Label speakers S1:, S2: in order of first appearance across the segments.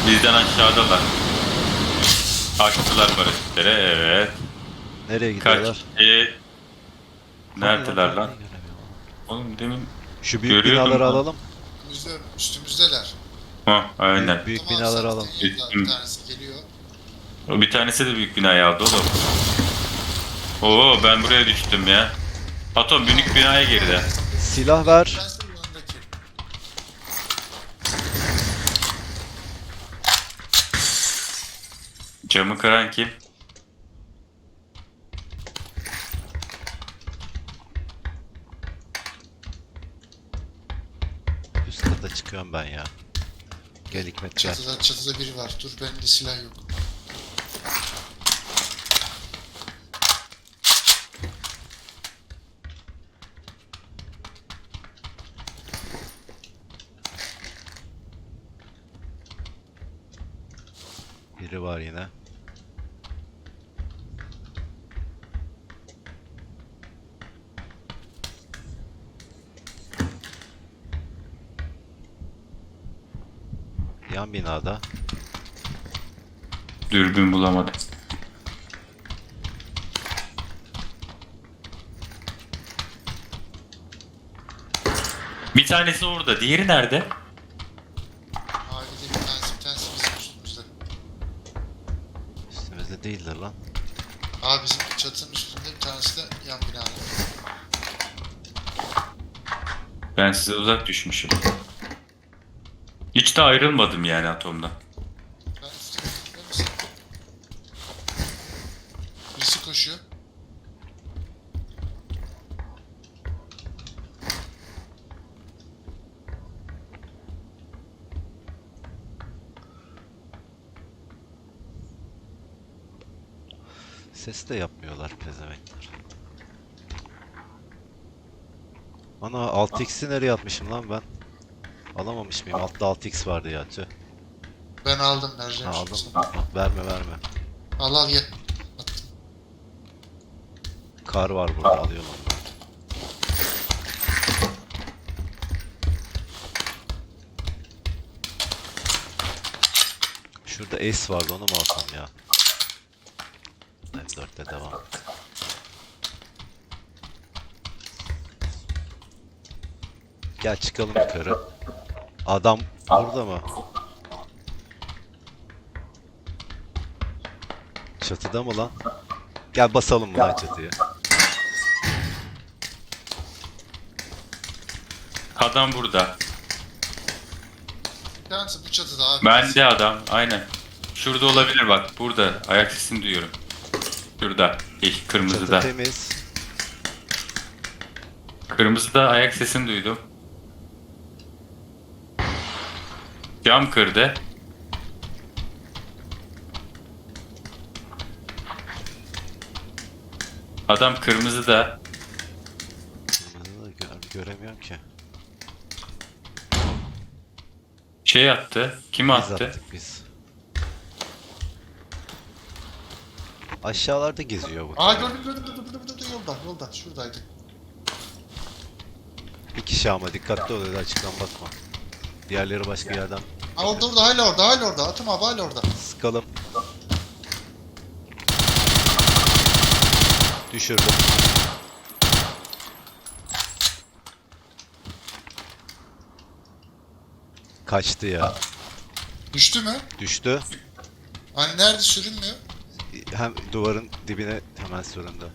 S1: Bizden aşağıdalar. Açtılar paraşütlere, evet.
S2: Nereye
S1: Kaç
S2: gidiyorlar?
S1: kişi? Neredeler
S2: Hani
S1: lan?
S2: ben niye göremiyorum?
S1: Oğlum demin
S2: Şu büyük
S1: görüyordum
S2: binaları
S1: lan.
S2: alalım.
S3: Üstümüzdeler.
S1: Ha, aynen.
S2: Büyük
S3: Tamam
S2: binaları
S3: sen
S2: alalım.
S3: yanında bir tanesi geliyor.
S1: O bir tanesi de büyük binayı aldı oğlum. Oo, ben buraya düştüm ya. Atom büyük binaya girdi.
S2: Silah ver.
S3: Ben senin yanındaki.
S1: Camı kıran kim?
S2: Üst kata çıkıyorum ben ya. Gel Hikmet gel.
S3: Çatıda biri var. Dur benim de silah yok.
S2: Biri var yine. Yan binada.
S1: Dürbün bulamadım. Bir tanesi orada, diğeri nerede?
S3: Ailede bir tanesi bizim üstümüzde.
S2: Üstümüzde değildir lan.
S3: Abi bizim çatının üstünde bir tanesi de yan binada.
S1: Ben size uzak düşmüşüm. Hiç de ayrılmadım yani atomda.
S3: Ben üstümde misin? Birisi koşuyor.
S2: Ses de yapmıyorlar pezemekler. Ana 6x'i nereye atmışım lan ben? Alamamış mıyım? Altta 6x vardı ya tüh.
S3: Ben aldım
S2: Ha,
S3: vereceğim şimdi
S2: aldım.
S3: sana.
S2: Verme verme.
S3: Al ye. Attım.
S2: Kar var burada alıyorum onu. Şurada S vardı onu mu alsam ya? M4'te devam. Gel çıkalım yukarı. Adam burada mı? Çatıda mı lan? Gel basalım mı lan çatıya?
S1: Adam burada.
S3: Bir tanesi bu çatıda abi.
S1: Bende adam, aynen. Şurada olabilir bak, burada. Ayak sesini duyuyorum. Şurada,
S2: Çatı
S1: kırmızıda.
S2: temiz.
S1: Kırmızıda ayak sesini duydum. Cam kırdı. Adam kırmızıda.
S2: Kırmızıda göremiyorum ki.
S1: Şey attı. Kim
S2: Biz
S1: attı?
S2: attık biz. Aşağılarda geziyor bu.
S3: Aa gördüm yolda şuradaydı.
S2: Bir kişi ama dikkatli ol öyle açıktan bakma. Diğerleri başka yerden
S3: Aa orada hala orada. Atım abi hala orada.
S2: sıkalım. Düşürdüm. Kaçtı ya.
S3: Düştü mü?
S2: Düştü.
S3: Hani nerede sürünmüyor?
S2: Hem duvarın dibine hemen süründü.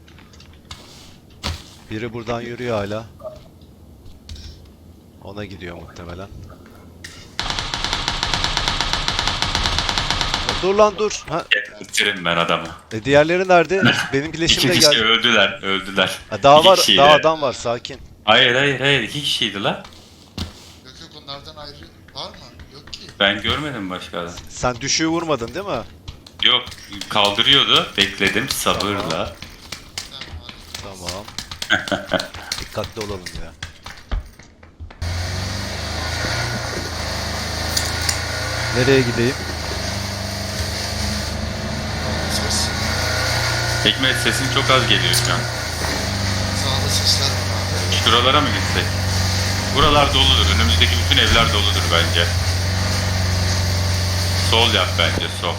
S2: Biri buradan yürüyor hala. Ona gidiyor muhtemelen. Dur lan dur. Ha,
S1: Bitirin ben adamı.
S2: diğerleri nerede? Benim
S1: İki
S2: bileşim de
S1: kişi
S2: geldi.
S1: öldüler.
S2: Ha, daha
S1: İki
S2: var,
S1: kişiydi.
S2: daha adam var sakin.
S1: Hayır, iki kişiydi la.
S3: Yok onlardan ayrı var mı? Yok ki.
S1: Ben görmedim başka adam.
S2: Sen düşüğü vurmadın değil mi?
S1: Yok, kaldırıyordu. Bekledim sabırla.
S3: Tamam hadi.
S2: Tamam. Dikkatli olalım ya. Nereye gideyim?
S3: Ses.
S1: Hikmet sesin çok az geliyor şu an.
S3: Sağda sesler var abi.
S1: Şuralara mı gitsek? Buralar doludur. Önümüzdeki bütün evler doludur bence. Sol yap bence, sol.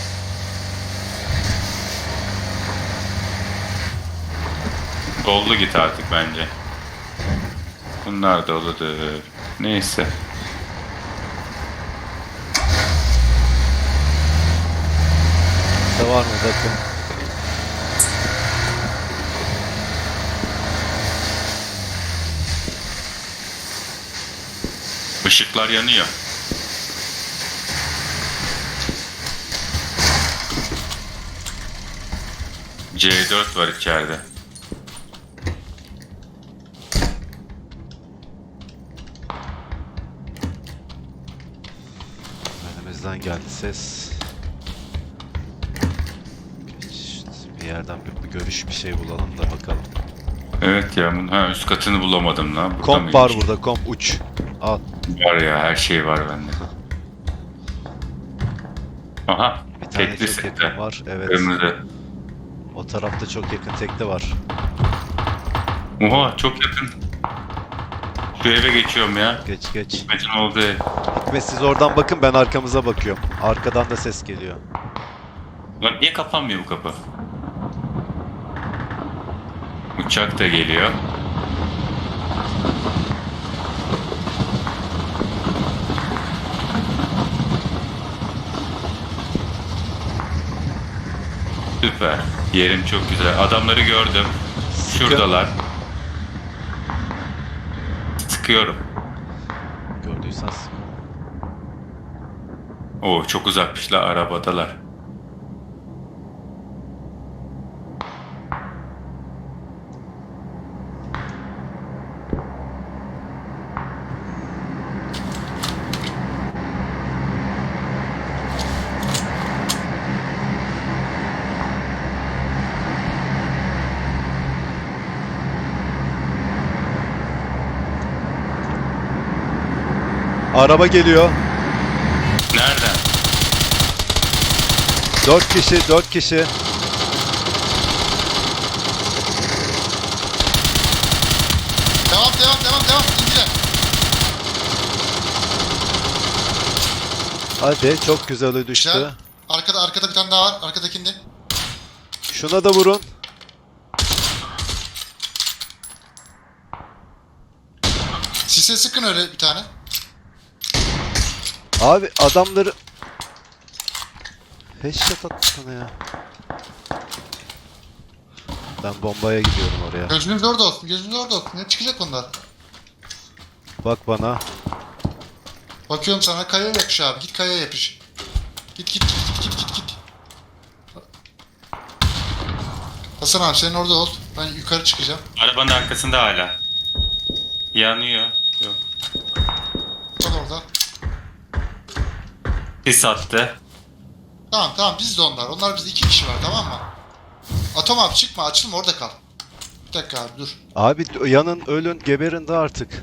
S1: Sollu git artık bence. Bunlar da oludur. Neyse.
S2: Ne var mı bakın.
S1: Işıklar yanıyor. C4 var içeride.
S2: Önümüzden geldi ses. Geç, bir yerden bir görüş bir şey bulalım da bakalım.
S1: Evet ya, üst katını bulamadım lan. Burada
S2: Komp var
S1: mıymış?
S2: burada, komp uç. Al.
S1: Var ya, her şey var bende. Aha,
S2: Bir tane
S1: tekli
S2: çok
S1: sette.
S2: yakın var. Evet.
S1: Kırmızı.
S2: O tarafta çok yakın tekli var.
S1: Oha, çok yakın. Şu eve geçiyorum ya.
S2: Geç geç.
S1: Hikmet'in olduğu ev.
S2: Hikmet siz oradan bakın, ben arkamıza bakıyorum. Arkadan da ses geliyor.
S1: Lan niye kapanmıyor bu kapı? Uçak da geliyor. Süper. Yerim çok güzel. Adamları gördüm. Şuradalar. Sıkıyorum.
S2: Gördüysen sık.
S1: Oo, çok uzakmışlar, arabadalar.
S2: Araba geliyor.
S1: Nereden?
S2: 4 kişi, 4 kişi.
S3: Devam. İndiler.
S2: Hadi, çok güzel düştü.
S3: Güzel. Arkada bir tane daha var. Arkadakinde.
S2: Şuna da vurun.
S3: Sise sıkın öyle bir tane.
S2: Abi adamları... Headshot attı sana ya. Ben bombaya gidiyorum oraya.
S3: Gözünüz orada olsun. Ne çıkacak onlar?
S2: Bak bana.
S3: Bakıyorum sana, kayaya yapış abi. Git kayaya yapış. Git. Hasan abi sen orada ol. Ben yukarı çıkacağım.
S1: Arabanın arkasında hala. Yanıyor. Yok.
S3: Kal orada.
S1: Sis attı.
S3: Tamam biz de onlar. Onlar bizde 2 kişi var, tamam mı? Atom abi çıkma, açılma, orada kal. Bir dakika abi dur.
S2: Abi yanın, ölün, geberin de artık.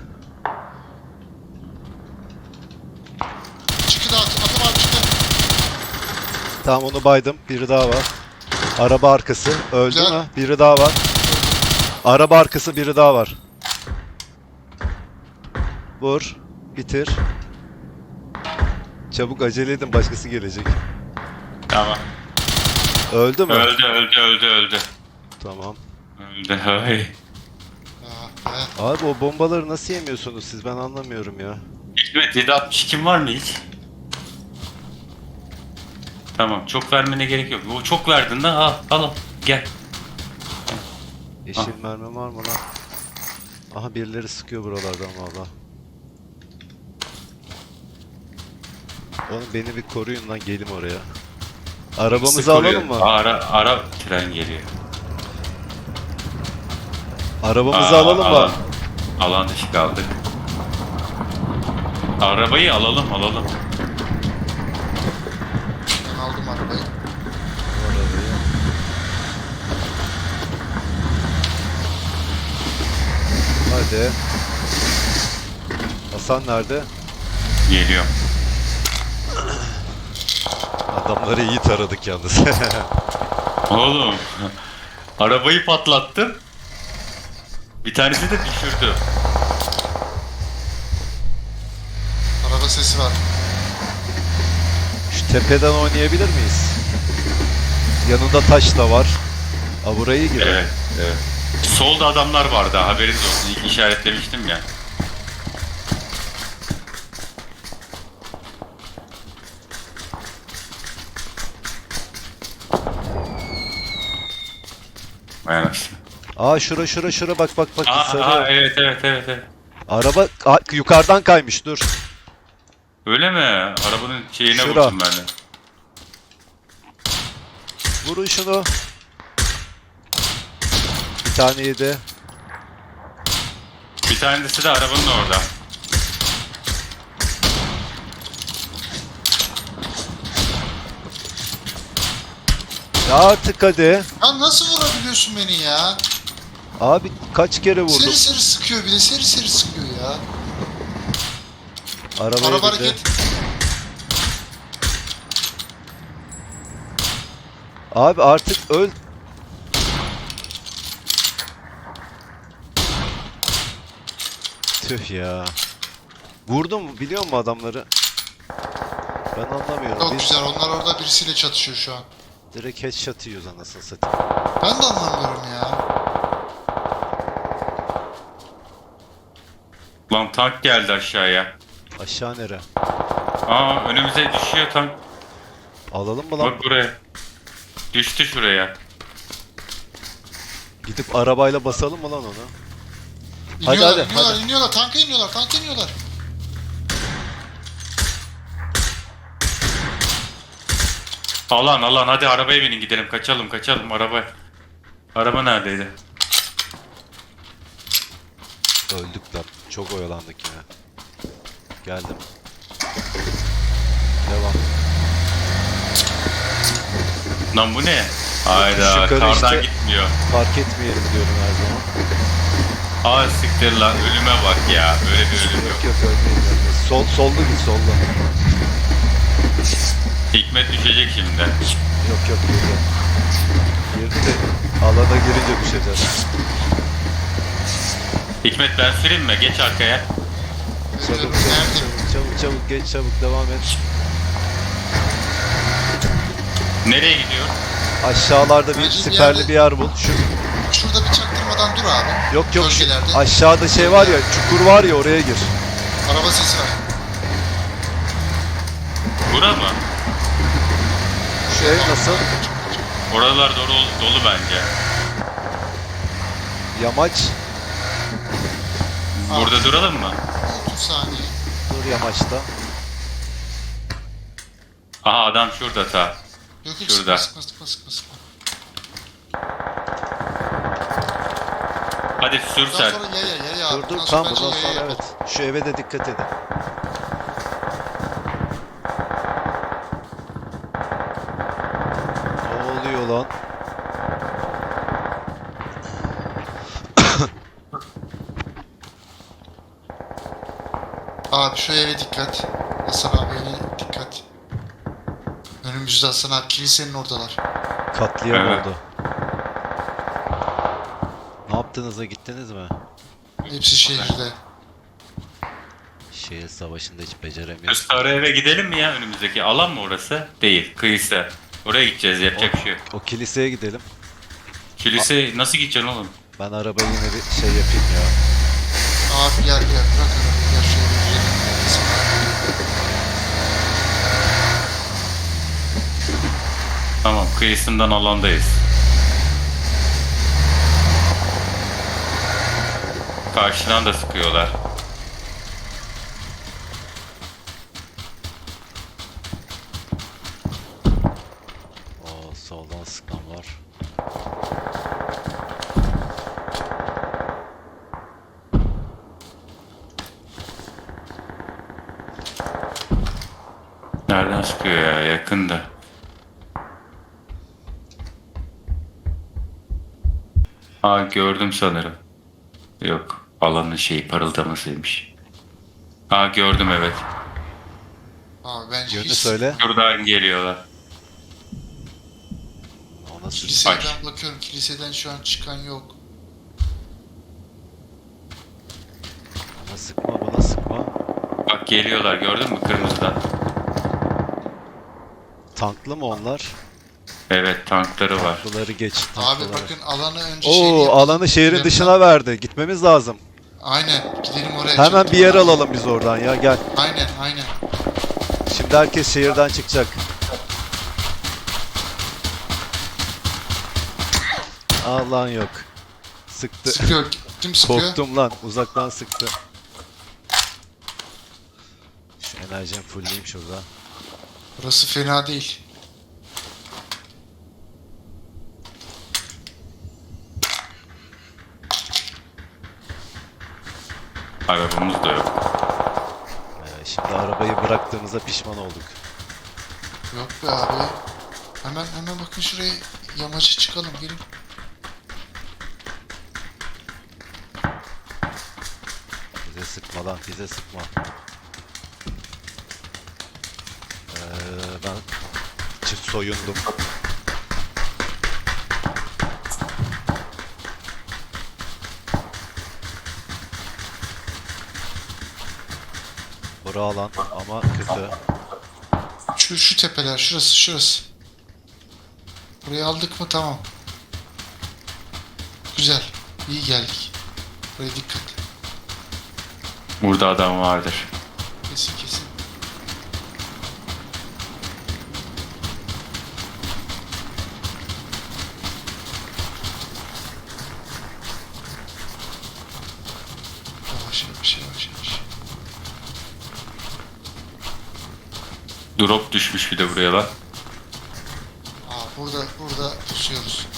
S3: Çıktı da Atom abi çıktı.
S2: Tamam, onu baydım. Biri daha var. Araba arkası. Öldü
S3: Güzel.
S2: mü? Biri daha var. Araba arkası, biri daha var. Vur. Bitir. Çabuk, acele edin, başkası gelecek.
S1: Tamam.
S2: Öldü mü?
S1: Öldü.
S2: Tamam.
S1: Öldü. Hay.
S2: Abi o bombaları nasıl yemiyorsunuz siz? Ben anlamıyorum ya.
S1: Hikmet 762 var mı hiç? Tamam, çok vermene gerek yok. O çok verdin de al. Gel.
S2: Yeşil mermi var mı lan? Aha, birileri sıkıyor buralardan valla. Oğlum beni bir koruyun lan, gelim oraya. Arabamızı
S1: Sıkılıyor.
S2: alalım mı?
S1: Ara tren geliyor.
S2: Arabamızı alalım mı?
S1: Alan dışı kaldık. Arabayı alalım.
S3: Ben aldım arabayı.
S2: Hadi. Hasan nerede?
S1: Geliyor.
S2: Adamları iyi taradık yalnız.
S1: Oğlum. Arabayı patlattım. Bir tanesi de düşürdü.
S3: Araba sesi var.
S2: Şu Tepeden oynayabilir miyiz? Yanında taş da var. Aa, burayı girelim.
S1: Evet, evet. Solda adamlar vardı, haberiniz olsun. İlk işaretlemiştim ya. Vay anasını.
S2: Aa, şura bak bak bak. Sarıyor.
S1: Evet, evet, evet, evet.
S2: Araba yukarıdan kaymış, dur.
S1: Öyle mi? Arabanın şeyine
S2: Şura.
S1: vurdum ben de.
S2: Vurun şunu. Bir tane yedi.
S1: Bir tanesi de arabanın orada.
S2: Ya artık hadi.
S3: Ya nasıl vurabiliyorsun beni ya?
S2: Abi kaç kere vurdum.
S3: Seri seri sıkıyor bir de seri seri sıkıyor ya.
S2: Arabaya
S3: Araba
S2: bindi.
S3: hareket.
S2: Abi artık öl. Tüh ya. Vurdum biliyor musun adamları? Ben anlamıyorum.
S3: Çok
S2: Biz
S3: güzel, onlar orada birisiyle çatışıyor şu an.
S2: direkt headshot yiyoruz anasını satayım.
S3: Ben de anlamıyorum ya.
S1: Lan tank geldi aşağıya.
S2: Aşağı nere?
S1: Aa, önümüze düşüyor tank.
S2: Alalım mı lan?
S1: Bak buraya. Düştü şuraya.
S2: Gidip arabayla basalım mı lan onu?
S3: İniyorlar,
S2: hadi,
S3: iniyorlar,
S2: hadi.
S3: iniyorlar, tanka iniyorlar, tanka iniyorlar.
S1: Alan hadi arabaya binin gidelim, kaçalım araba. Araba neredeydi?
S2: Öldük lan. Çok oyalandık yine. Geldim. Devam.
S1: Lan bu ne? Hayda,
S2: Yukarı
S1: kardan
S2: işte.
S1: gitmiyor.
S2: Fark etmeyelim diyorum her zaman.
S1: Aa siktir lan, ölüme bak ya. Böyle bir ölüm yok.
S2: Yok ölmeyiz. Solda git solda.
S1: Hikmet düşecek şimdi.
S2: Yok girdi. Girdi de alana girince düşeceğiz.
S1: Hikmet ben süreyim mi? Geç arkaya.
S3: Veriyorum, nerede?
S2: Çabuk geç çabuk devam et.
S1: Nereye gidiyor?
S2: Aşağılarda bir
S3: Bence bir
S2: siperli
S3: yerde-
S2: bir yer bul.
S3: Şurada bir çaktırmadan dur abi.
S2: Yok şu
S3: Bölgelerde.
S2: aşağıda şey var ya, çukur var ya, oraya gir.
S3: Araba sesi var.
S1: Bura mı?
S2: Şu ev nasıl?
S1: Oralar dolu bence.
S2: Yamaç.
S1: Burada duralım mı?
S3: 30 saniye.
S2: Dur yamaçta.
S1: Aha adam şurada ta.
S3: Yok
S1: Şurada.
S3: sıkma.
S1: Hadi sür
S3: Bundan
S1: sen.
S3: sonra yaya abi.
S2: Dur
S3: Bundan
S2: tamam
S3: bence
S2: bundan
S3: yaya
S2: sonra
S3: yapalım.
S2: evet. Şu eve de dikkat edin. Ne oluyor lan?
S3: Abi şu eve dikkat. Hasan abi eve dikkat. Önümüzde Hasan abi, kilisenin oradalar.
S2: Katliam
S1: Evet.
S2: oldu. Ne yaptınız da gittiniz mi?
S3: Hepsi şehirde.
S2: Şehir savaşında hiç beceremiyoruz.
S1: Sarı eve gidelim mi ya, önümüzdeki? Alan mı orası? Değil, kıyısı. Oraya gideceğiz, yapacak bir şey yok.
S2: O kiliseye gidelim.
S1: Kilise nasıl gideceksin oğlum?
S2: Ben arabayı yine bir şey yapayım ya.
S3: Abi gel bırak arabayı, gel şu eve gidelim. Hasan abi.
S1: Tamam, kıyısından alandayız. Karşıdan da sıkıyorlar.
S2: Oo, soldan sıkan var.
S1: Nereden sıkıyor ya? Yakında. Aa, gördüm sanırım. Yok, alanın şeyi parıldamasıymış. Aa, gördüm evet.
S3: Abi bence
S2: Yönü
S3: hiç...
S2: söyle.
S1: Şuradan geliyorlar.
S2: O nasıl?
S3: Kiliseye
S1: Aç.
S3: ben bakıyorum. Kiliseden şu an çıkan yok.
S2: Bana sıkma bana sıkma.
S1: Bak geliyorlar, gördün mü kırmızıdan?
S2: Tanklı mı onlar?
S1: Evet, tankları var.
S2: Tanklıları geç.
S3: Abi
S2: Tanklıları.
S3: bakın alanı önce şeyini
S2: Oo,
S3: yapalım.
S2: alanı şehrin
S3: Üzerinden-
S2: dışına verdi. Gitmemiz lazım.
S3: Aynen gidelim oraya.
S2: Hemen
S3: çabuk.
S2: bir yer alalım biz oradan ya, gel.
S3: Aynen aynen.
S2: Şimdi herkes şehirden çıkacak. Allah'ın yok. Sıktı.
S3: Sıkıyor. Kim sıkıyor?
S2: Korktum lan. Uzaktan sıktı. Şu enerjimi fullleyeyim şurada.
S3: Burası fena değil.
S1: Arabamız da yok.
S2: Şimdi arabayı bıraktığımıza pişman olduk.
S3: Yok be abi. Hemen bakın şuraya yamaca çıkalım gelin.
S2: Bize sıkma lan, bize sıkma. Ben soyundum. Bura alan ama kötü.
S3: Şu tepeler şurası. Burayı aldık mı tamam. Güzel. İyi geldik. Buraya dikkat.
S1: Burada adam vardır.
S3: Kesin. Yavaş.
S1: Drop düşmüş bir de buraya lan.
S3: Burada pusuyoruz.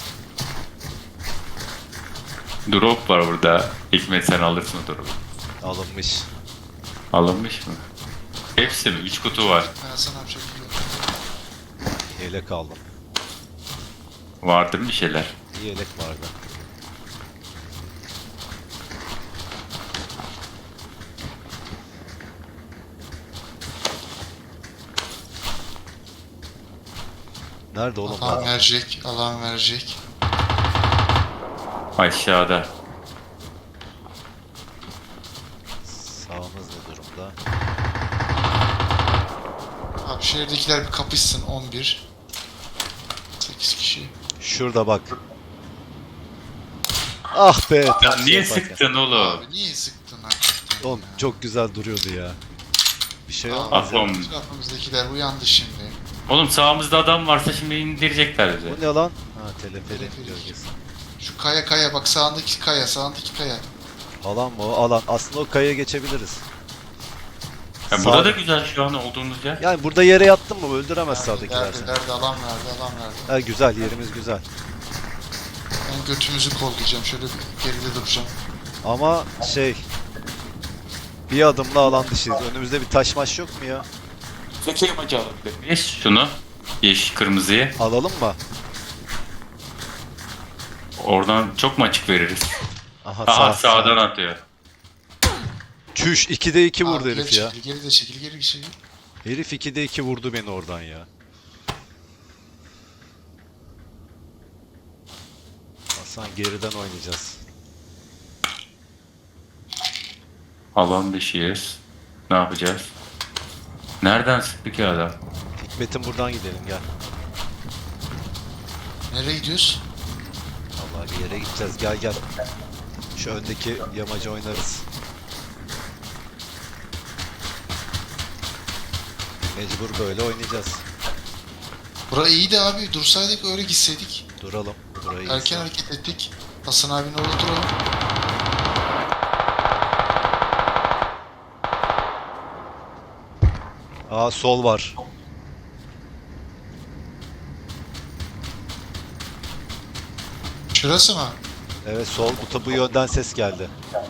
S1: Drop var burada. Hikmet sen alırsın o drop'u.
S2: Alınmış.
S1: Alınmış mı? Hepsi mi? 3 kutu var.
S3: Ben sana yapacak bir şey yok.
S2: Yelek aldım.
S1: Vardır bir şeyler.
S2: Bir yelek vardı. Nerede oğlum?
S3: Alan verecek.
S1: Aşağıda.
S2: Sağımız ne durumda?
S3: Abi şehirdekiler bir kapışsın 11. 8 kişi.
S2: Şurada bak. Ah be.
S1: Ya
S2: tam
S1: niye
S2: şey yaparken.
S1: sıktın oğlum?
S3: Abi niye sıktın hakikaten?
S2: Oğlum
S3: ya?
S2: çok güzel duruyordu ya. Bir şey
S3: Abi,
S2: olmaz ya.
S1: Atom.
S3: Etrafımızdakiler uyandı şimdi.
S1: Oğlum sağımızda adam varsa şimdi indirecekler bize.
S2: Bu ne lan? Ha, teleferik
S3: Teleferik.
S2: gölgesi.
S3: Şu kaya bak sağındaki kaya.
S2: Alan mı o? Alan. Aslında o kayaya geçebiliriz.
S1: Ya
S2: Sağ-
S1: burada da güzel şu an olduğumuz yer.
S2: Yani burada yere yattın mı öldüremez sağdakiler
S3: Verdi,
S2: seni.
S3: verdi, alan verdi.
S2: Ha, güzel, yerimiz güzel.
S3: Ben götümüzü kollayacağım. Şöyle bir geride duracağım.
S2: Ama şey... Bir adımla alan dışıyız. Önümüzde bir taş maş yok mu ya?
S1: Çekeyim acı alabilir şunu. Yeşil kırmızıyı.
S2: Alalım mı?
S1: Oradan çok mu açık veririz?
S2: Aha,
S1: Aha sağdan atıyor.
S2: Çüş 2'de 2 vurdu
S3: Abi,
S2: herif
S3: geri
S2: ya.
S3: çekil, geri de çekil, geri çekil.
S2: Herif 2'de 2 vurdu beni oradan ya. Hasan geriden oynayacağız.
S1: Alan dışıyız. Ne yapacağız? Nereden sıktı ki adam?
S2: Hikmet'in buradan gidelim gel.
S3: Nereye gidiyoruz?
S2: Vallahi bir yere gideceğiz gel. Şu öndeki yamaca oynarız. Mecbur böyle oynayacağız.
S3: Bura iyiydi abi. Dursaydık öyle gitseydik.
S2: Duralım. Burayı
S3: Erken hareket ettik. Hasan abinin orada duralım.
S2: Aa, sol var.
S3: Şurası mı?
S2: Evet, sol bu yönden ses geldi.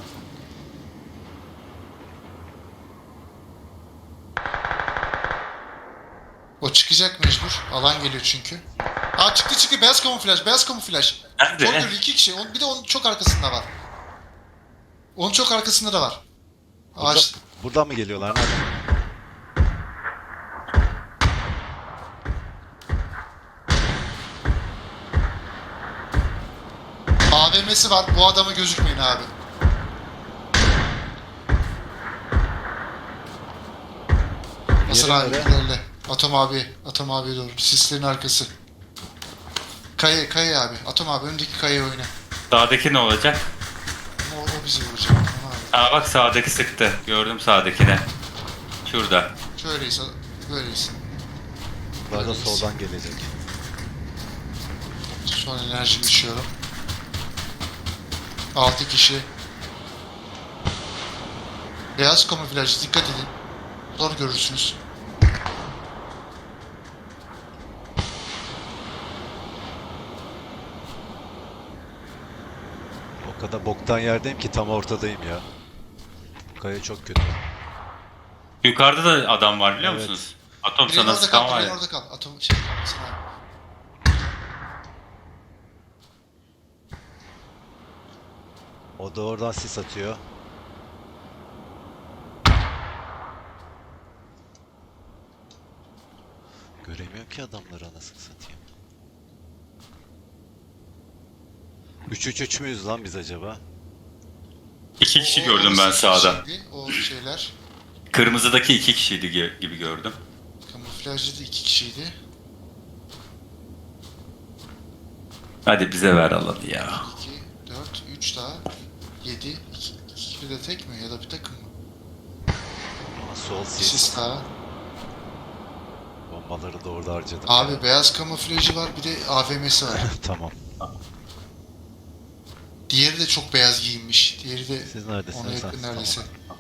S3: O çıkacak mecbur. Alan geliyor çünkü. Aa çıktı. Beyaz kamuflaj.
S1: Nerede?
S3: Koridor 2 kişi. Bir de onun çok arkasında var. Onun çok arkasında da var. Ağaç.
S2: Buradan mı geliyorlar? Nereden?
S3: AVM'si var. Bu adama gözükmeyin abi. Hasan abi
S2: Yeri
S3: ilerle. Atom abi. Atom abiye doğru. Sislerin arkası. Kaya abi. Atom abi öndeki kayaya oyna.
S1: Sağdaki ne olacak?
S3: Ama o bizi vuracak. Atom abi.
S1: Aa bak sağdaki sıktı. Gördüm sağdakini. Şurada.
S3: Şöyleyiz. Böyleyiz.
S2: Bunlar da
S3: Böyleyiz.
S2: soldan gelecek.
S3: Son enerjimi düşüyorum. 6 kişi. Beyaz kamuflaj dikkat edin. Zor görürsünüz.
S2: O kadar boktan yerdeyim ki tam ortadayım ya. Bu kaya çok kötü.
S1: Yukarıda da adam var biliyor
S2: Evet.
S1: musunuz? Atom
S3: Bireyin
S1: sana
S3: orada
S1: sıkan
S3: kal,
S1: var
S3: bireyin
S1: ya.
S3: orada kal. Atom şey, sana.
S2: O da oradan sis atıyor. Göremiyorum ki adamları anasını satayım. 3-3-3 müyüz lan biz acaba?
S1: İki kişi
S3: O-
S1: gördüm ben
S3: orası
S1: sağda.
S3: şeydi, o şeyler.
S1: Kırmızıdaki iki kişiydi gibi gördüm.
S3: Kamuflajlı da 2 kişiydi.
S1: Hadi bize ver alanı ya.
S3: 2, 4, 3 daha. 7. 2 de tek mi ya da bir takım mı?
S2: Ama sol sis.
S3: Sis daha.
S2: Bombaları da orada harcadım.
S3: Abi beyaz kamuflajı var bir de AVM'si var.
S2: Tamam.
S3: Diğeri de çok beyaz giyinmiş. Diğeri de
S2: Siz
S3: ona
S2: neredesiniz?
S3: yakın
S2: Ha,
S3: neredeyse.
S2: tamam.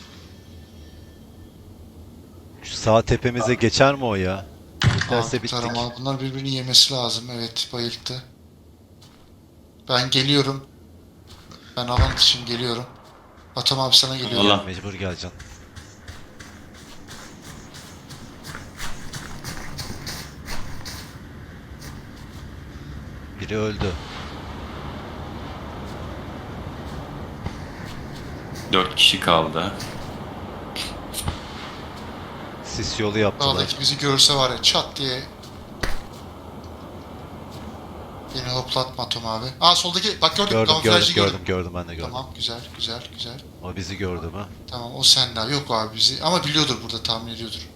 S2: Şu sağ tepemize geçer mi o ya? Geçerse
S3: Abi,
S2: bittik.
S3: tarama. Bunlar birbirini yemesi lazım. Evet bayılttı. Ben geliyorum. Ben alan için geliyorum. Atam abi sana geliyor.
S1: Allah.
S2: Mecbur geleceksin. Biri öldü.
S1: 4 kişi kaldı.
S2: Sis yolu yaptılar.
S3: Dağdaki bizi görse var ya çat diye. Beni hoplatma Atom abi. Aa soldaki bak gördüm
S2: Gördüm
S3: kamuflajlı
S2: gördüm ben de gördüm.
S3: Tamam güzel güzel güzel.
S2: O bizi gördü mü?
S3: Tamam o sende abi. Yok abi bizi ama biliyordur burada tahmin ediyordur.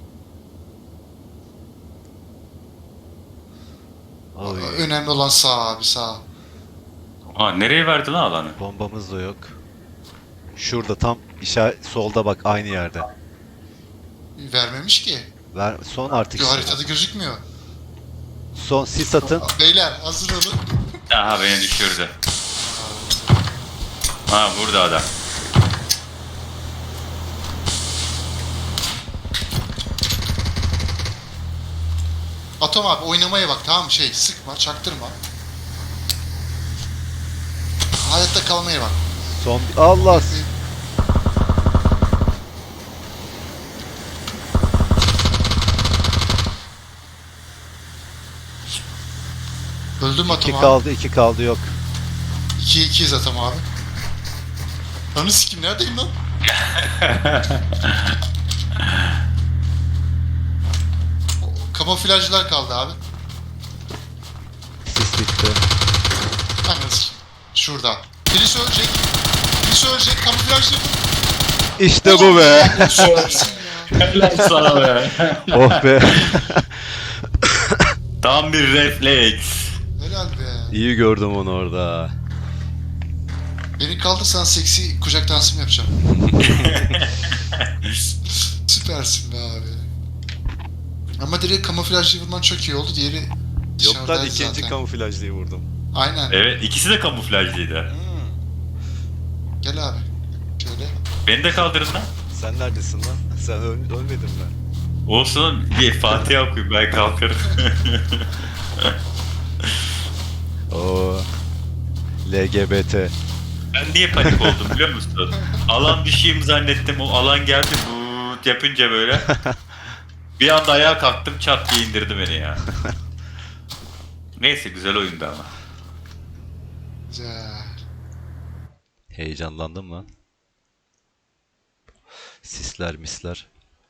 S2: Oy.
S3: Önemli olan sağ abi sağ.
S1: Aa nereye verdi lan alanı?
S2: Bombamız da yok. Şurada tam işaret solda bak aynı yerde.
S3: Vermemiş ki.
S2: Ver son artık.
S3: Yo,
S2: işte.
S3: haritada gözükmüyor.
S2: Son sis atın.
S3: Beyler hazır olun.
S1: Aha beni düşürdü. Ha burada adam.
S3: Atom abi oynamaya bak tamam mı? Şey sıkma çaktırma. Hayatta kalmaya bak.
S2: Son Allah.
S3: Öldüm Atom
S2: 2
S3: abi.
S2: kaldı 2 kaldı yok.
S3: 2-2'yiz Atom abi. Anı sikim neredeyim lan? Kamuflajcılar kaldı abi.
S2: Sis bitti.
S3: Anı sikim. Şurada. Birisi ölecek. Birisi ölecek. Kamuflajlı.
S2: İşte bu be.
S3: Süpersin ya.
S1: Helal sana be.
S2: Oh be.
S1: Tam bir refleks.
S3: Helal be.
S2: İyi gördüm onu orada.
S3: Beni kaldırsan seksi kucak dansı mı yapacağım? Süpersin be abi. Ama direkt kamuflajlı vurman çok iyi oldu. Diğeri
S2: Yok lan
S3: dışarıdaydı
S2: ikinci
S3: zaten.
S2: kamuflajlıyı vurdum.
S3: Aynen.
S1: Evet ikisi de kamuflajlıydı.
S3: Gel abi. Şöyle.
S1: Beni de kaldırın lan.
S2: Sen neredesin lan? Sen ölmedin mi?
S1: Olsun bir Fatiha okuyayım ben kalkarım.
S2: Oo. LGBT.
S1: Ben niye panik oldum biliyor musun? Alan düşeyim zannettim. O alan geldi bu yapınca böyle. Bir anda ayağa kalktım çat diye indirdi beni ya. Neyse güzel oyundu ama.
S3: Güzel.
S2: Heyecanlandım lan. Sisler misler.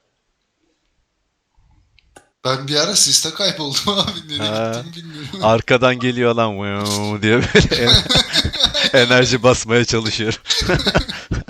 S3: Ben bir ara siste kayboldum abi. Nereye
S2: Ha.
S3: gittiğimi bilmiyorum.
S2: Arkadan geliyor lan "Vıv" diye böyle enerji basmaya çalışıyor.